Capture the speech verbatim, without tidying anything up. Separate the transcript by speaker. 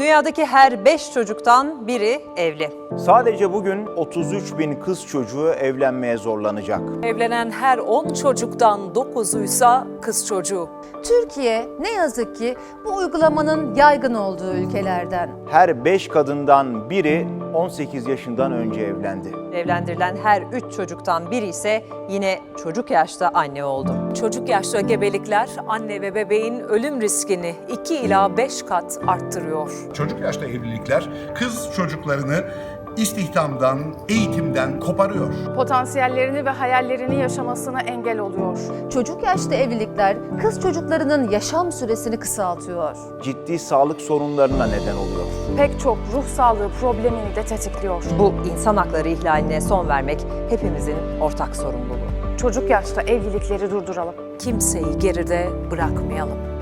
Speaker 1: Dünyadaki her beş çocuktan biri evli.
Speaker 2: Sadece bugün otuz üç bin kız çocuğu evlenmeye zorlanacak.
Speaker 3: Evlenen her on çocuktan dokuzuysa kız çocuğu.
Speaker 4: Türkiye ne yazık ki bu uygulamanın yaygın olduğu ülkelerden.
Speaker 2: Her beş kadından biri on sekiz yaşından önce evlendi.
Speaker 1: Evlendirilen her üç çocuktan biri ise yine çocuk yaşta anne oldu.
Speaker 3: Çocuk yaşta gebelikler anne ve bebeğin ölüm riskini iki ila beş kat arttırıyor.
Speaker 5: Çocuk yaşta evlilikler kız çocuklarını istihdamdan, eğitimden koparıyor.
Speaker 6: Potansiyellerini ve hayallerini yaşamasına engel oluyor.
Speaker 4: Çocuk yaşta evlilikler kız çocuklarının yaşam süresini kısaltıyor.
Speaker 2: Ciddi sağlık sorunlarına neden oluyor.
Speaker 6: Pek çok ruh sağlığı problemini de tetikliyor.
Speaker 1: Bu insan hakları ihlaline son vermek hepimizin ortak sorumluluğu.
Speaker 6: Çocuk yaşta evlilikleri durduralım.
Speaker 3: Kimseyi geride bırakmayalım.